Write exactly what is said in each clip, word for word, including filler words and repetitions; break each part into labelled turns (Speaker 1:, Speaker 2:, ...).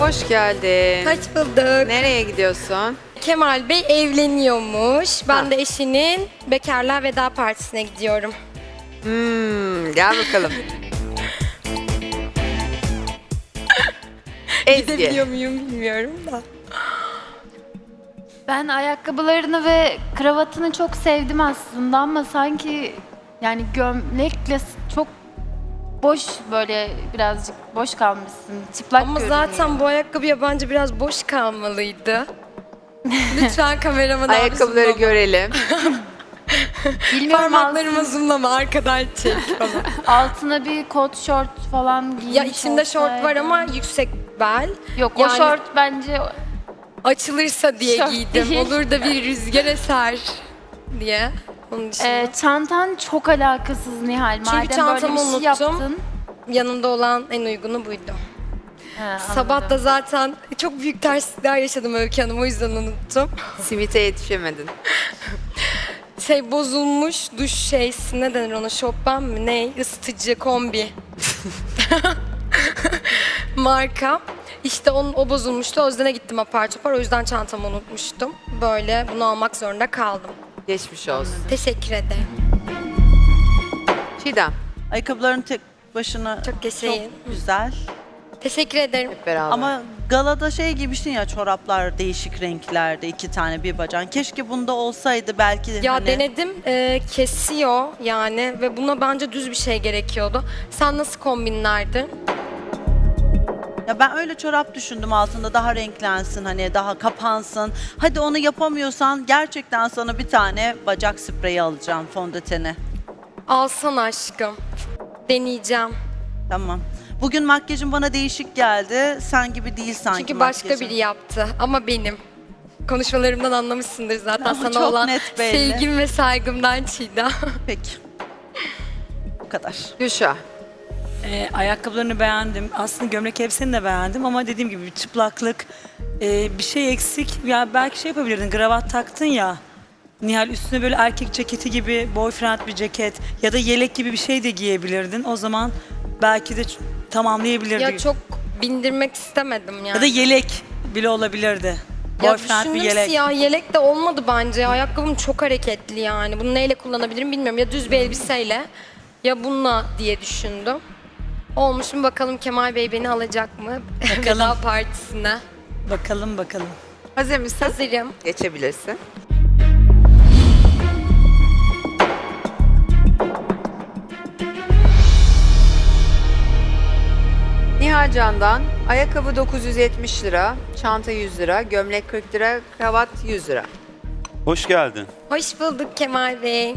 Speaker 1: Hoş geldin.
Speaker 2: Hoş bulduk.
Speaker 1: Nereye gidiyorsun?
Speaker 2: Kemal Bey evleniyormuş. Ben ha. de eşinin bekarlığa veda partisine gidiyorum.
Speaker 1: Hmm, gel bakalım.
Speaker 2: Gidebiliyor muyum bilmiyorum da.
Speaker 3: Ben ayakkabılarını ve kravatını çok sevdim aslında ama sanki yani gömlekle çok boş, böyle birazcık boş kalmışsın. Çıplak
Speaker 2: ama
Speaker 3: görünüyor.
Speaker 2: zaten bu ayakkabıya bence biraz boş kalmalıydı. Lütfen kameramı da
Speaker 1: ayakkabıları görelim.
Speaker 3: Bilmiyorum,
Speaker 2: parmaklarımı
Speaker 3: altın,
Speaker 2: zoomlama, arkadan çek falan.
Speaker 3: altına bir kot şort falan giymiş
Speaker 2: Ya içinde şort var
Speaker 3: olsaydın.
Speaker 2: ama yüksek bel.
Speaker 3: Yok,
Speaker 2: yani
Speaker 3: o şort bence
Speaker 2: açılırsa diye
Speaker 3: şort
Speaker 2: giydim.
Speaker 3: değil.
Speaker 2: Olur da bir rüzgar eser diye. Onun dışında.
Speaker 3: Ee, çantan çok alakasız Nihal.
Speaker 2: Çünkü
Speaker 3: Madem böyle
Speaker 2: çantamı
Speaker 3: bir şey
Speaker 2: unuttum.
Speaker 3: yaptın.
Speaker 2: Yanımda olan en uygunu buydu.
Speaker 3: He,
Speaker 2: Sabah da
Speaker 3: anladım.
Speaker 2: zaten çok büyük terslikler yaşadım Öykü Hanım, o yüzden unuttum.
Speaker 1: Simite yetişemedin.
Speaker 2: Şey bozulmuş duş şeysi, ne denir ona, şoppan mı ne, ısıtıcı kombi. Marka. İşte onun, o bozulmuştu, o yüzden gittim apar topar, o yüzden çantamı unutmuştum. Böyle bunu almak zorunda kaldım.
Speaker 1: Geçmiş olsun.
Speaker 2: Teşekkür ederim.
Speaker 1: Çiğdem,
Speaker 4: Ayakkabıların tek başına
Speaker 2: Çok yaşayın.
Speaker 4: çok güzel.
Speaker 2: Teşekkür ederim.
Speaker 1: hep beraber.
Speaker 4: Ama galada şey giymiştin ya, çoraplar değişik renklerde, iki tane bir bacağın. Keşke bunda olsaydı belki de
Speaker 2: Ya
Speaker 4: hani...
Speaker 2: denedim, e, kesiyor yani ve buna bence düz bir şey gerekiyordu. Sen nasıl kombinlerdin?
Speaker 4: Ya ben öyle çorap düşündüm, altında daha renklensin, hani daha kapansın. Hadi onu yapamıyorsan gerçekten sana bir tane bacak spreyi alacağım, fondöteni.
Speaker 2: Alsan aşkım. Deneyeceğim.
Speaker 4: Tamam. Bugün makyajın bana değişik geldi. Sen gibi değil sanki
Speaker 2: Çünkü başka
Speaker 4: makyajın.
Speaker 2: biri yaptı ama benim. Konuşmalarımdan anlamışsındır zaten
Speaker 4: Ama
Speaker 2: sana
Speaker 4: çok
Speaker 2: olan
Speaker 4: net belli.
Speaker 2: sevgim ve saygımdan Çiğdem.
Speaker 4: Peki. Bu kadar.
Speaker 1: Gülşah,
Speaker 5: Ee, ayakkabılarını beğendim. Aslında gömlek elbiseni de beğendim ama dediğim gibi bir çıplaklık, e, bir şey eksik. Ya belki şey yapabilirdin, kravat taktın ya. Nihal, üstüne böyle erkek ceketi gibi boyfriend bir ceket ya da yelek gibi bir şey de giyebilirdin. O zaman belki de ç- tamamlayabilirdin.
Speaker 2: Ya çok bindirmek istemedim yani.
Speaker 5: Ya da yelek bile olabilirdi.
Speaker 2: Ya
Speaker 5: Boyfriend bir
Speaker 2: düşündüm,
Speaker 5: yelek.
Speaker 2: siyah yelek de olmadı bence. Ayakkabım çok hareketli yani. Bunu neyle kullanabilirim bilmiyorum. Ya düz bir elbiseyle ya bununla diye düşündüm. Olmuş mu bakalım, Kemal Bey beni alacak mı? Veda partisine.
Speaker 5: Bakalım bakalım.
Speaker 1: hazır mısın?
Speaker 2: Hazırım.
Speaker 1: Geçebilirsin. Nihal Can'dan ayakkabı dokuz yüz yetmiş lira, çanta yüz lira, gömlek kırk lira, kravat yüz lira.
Speaker 6: Hoş geldin.
Speaker 2: Hoş bulduk Kemal Bey.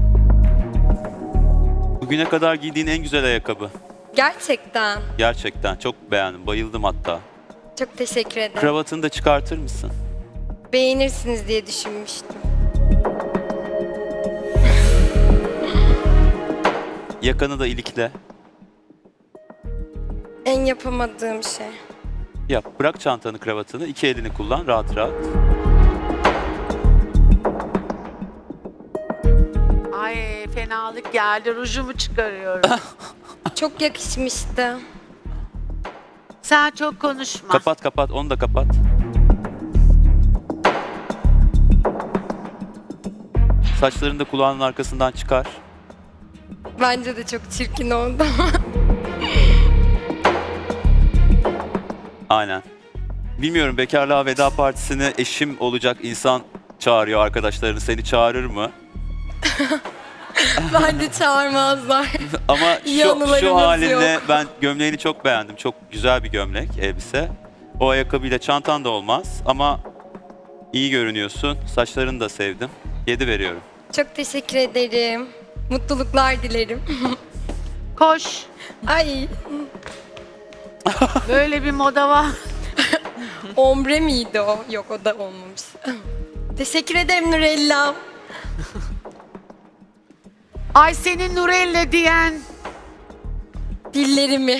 Speaker 6: Bugüne kadar giydiğin en güzel ayakkabı.
Speaker 2: Gerçekten.
Speaker 6: Gerçekten çok beğendim, bayıldım hatta.
Speaker 2: Çok teşekkür ederim.
Speaker 6: Kravatını da çıkartır mısın?
Speaker 2: Beğenirsiniz diye düşünmüştüm.
Speaker 6: Yakanı da ilikle.
Speaker 2: En yapamadığım şey.
Speaker 6: Yap, bırak çantanı, kravatını, iki elini kullan rahat rahat.
Speaker 7: Ay fenalık geldi, rujumu çıkarıyorum.
Speaker 2: Çok yakışmıştı.
Speaker 7: Sen çok konuşma.
Speaker 6: Kapat kapat, onu da kapat. Saçlarını da kulağının arkasından çıkar.
Speaker 2: Bence de çok çirkin oldu.
Speaker 6: Aynen. Bilmiyorum, bekarlığa veda partisine eşim olacak insan çağırıyor arkadaşlarını. Seni çağırır mı?
Speaker 2: Bence çağırmazlar.
Speaker 6: Ama
Speaker 2: İyi
Speaker 6: şu,
Speaker 2: anılarımız
Speaker 6: şu halinle
Speaker 2: yok.
Speaker 6: ben gömleğini çok beğendim. Çok güzel bir gömlek, elbise. O ayakkabıyla çantan da olmaz ama iyi görünüyorsun. Saçlarını da sevdim. Yedi veriyorum.
Speaker 2: Çok teşekkür ederim. Mutluluklar dilerim.
Speaker 7: Koş.
Speaker 2: Ay,
Speaker 7: Böyle bir moda var.
Speaker 2: ombre miydi o? Yok, o da olmamış. Teşekkür ederim Nurella.
Speaker 7: Ay senin Nurella diyen.
Speaker 2: Dillerimi.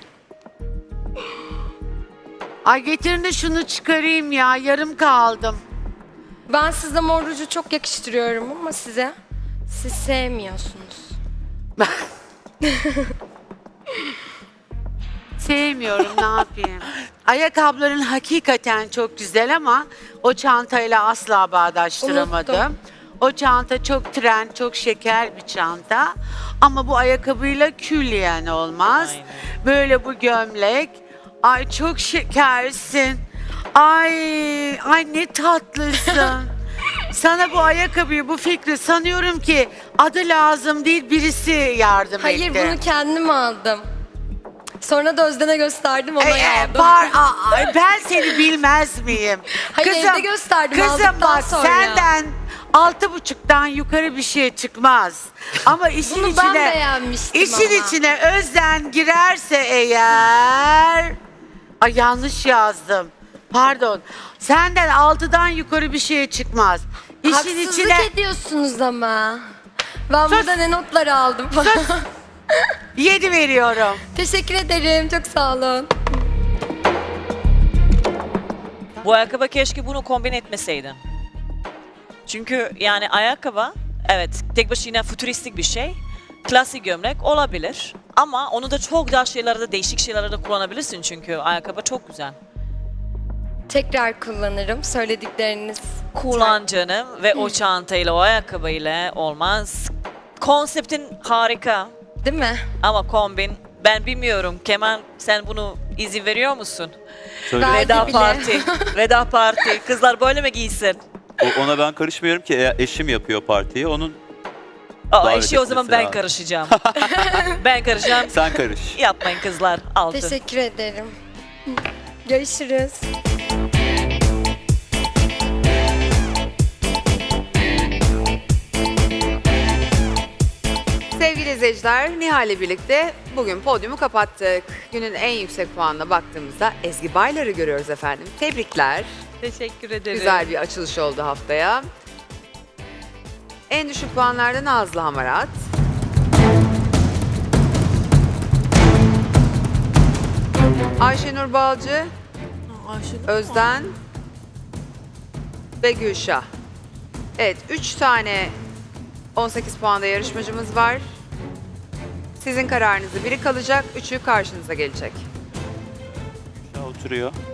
Speaker 7: Ay getirin de şunu çıkarayım ya, yarım kaldım.
Speaker 2: Ben size mor ruju çok yakıştırıyorum ama size siz sevmiyorsunuz.
Speaker 7: sevmiyorum ne yapayım. Ayakkabıların hakikaten çok güzel ama o çantayla asla bağdaştıramadım.
Speaker 2: Unuttum.
Speaker 7: O çanta çok trend, çok şeker bir çanta. Ama bu ayakkabıyla külliyen olmaz.
Speaker 8: Aynen.
Speaker 7: Böyle bu gömlek. Ay çok şekersin. Ay, ay ne tatlısın. Sana bu ayakkabıyı, bu fikri sanıyorum ki adı lazım değil birisi yardım
Speaker 2: Hayır
Speaker 7: etti.
Speaker 2: bunu kendim aldım. Sonra da Özden'e gösterdim ona
Speaker 7: Ee,
Speaker 2: aldım.
Speaker 7: par- Aa, ay, ben seni bilmez miyim?
Speaker 2: Hayır, evde gösterdim,
Speaker 7: Kızım
Speaker 2: aldıktan
Speaker 7: bak
Speaker 2: sonra.
Speaker 7: senden altı buçuktan yukarı bir şey çıkmaz. Ama işin
Speaker 2: Bunu
Speaker 7: içine
Speaker 2: ben beğenmiştim
Speaker 7: işin
Speaker 2: ama.
Speaker 7: içine Özden girerse eğer ay yanlış yazdım. Pardon. Senden altıdan yukarı bir şey çıkmaz. İşin
Speaker 2: Haksızlık
Speaker 7: içine
Speaker 2: ediyorsunuz ama. Ben
Speaker 7: Sus.
Speaker 2: burada ne notlar aldım falan.
Speaker 7: yedi veriyorum.
Speaker 2: Teşekkür ederim. Çok sağ olun.
Speaker 8: Bu ayakkabı keşke bunu kombin etmeseydin. Çünkü yani ayakkabı evet tek başına fütüristik bir şey. Klasik gömlek olabilir. Ama onu da çok daha şeylerde değişik şeylerde kullanabilirsin çünkü ayakkabı çok güzel.
Speaker 2: Tekrar kullanırım. Söyledikleriniz.
Speaker 8: Kullan canım ve o çantayla o ayakkabıyla olmaz. Konseptin harika
Speaker 2: Değil mi?
Speaker 8: ama kombin ben bilmiyorum. Kemal sen bunu izin veriyor musun?
Speaker 6: Söyle.
Speaker 2: Ben-
Speaker 8: Veda
Speaker 2: bile.
Speaker 8: parti. Veda parti. Kızlar böyle mi giysin?
Speaker 6: O- ona ben karışmıyorum ki e- eşim yapıyor partiyi. Onun
Speaker 8: Aa,
Speaker 6: Davet
Speaker 8: eşi o zaman
Speaker 6: etmesi
Speaker 8: ben
Speaker 6: lazım.
Speaker 8: karışacağım. ben karışacağım.
Speaker 6: sen karış.
Speaker 8: Yapmayın kızlar. Altı.
Speaker 2: Teşekkür ederim. Görüşürüz.
Speaker 1: Sevgili izleyiciler, Nihal'le birlikte bugün podyumu kapattık. Günün en yüksek puanına baktığımızda Ezgi Baylar'ı görüyoruz efendim. Tebrikler.
Speaker 9: Teşekkür ederim.
Speaker 1: Güzel bir açılış oldu haftaya. En düşük puanlarda Nazlı Hamarat. Ayşenur Balcı, Özden ve Gülşah. Evet, üç tane on sekiz puanda yarışmacımız var. Sizin kararınızı biri kalacak, üçü karşınıza gelecek.
Speaker 6: Oturuyor.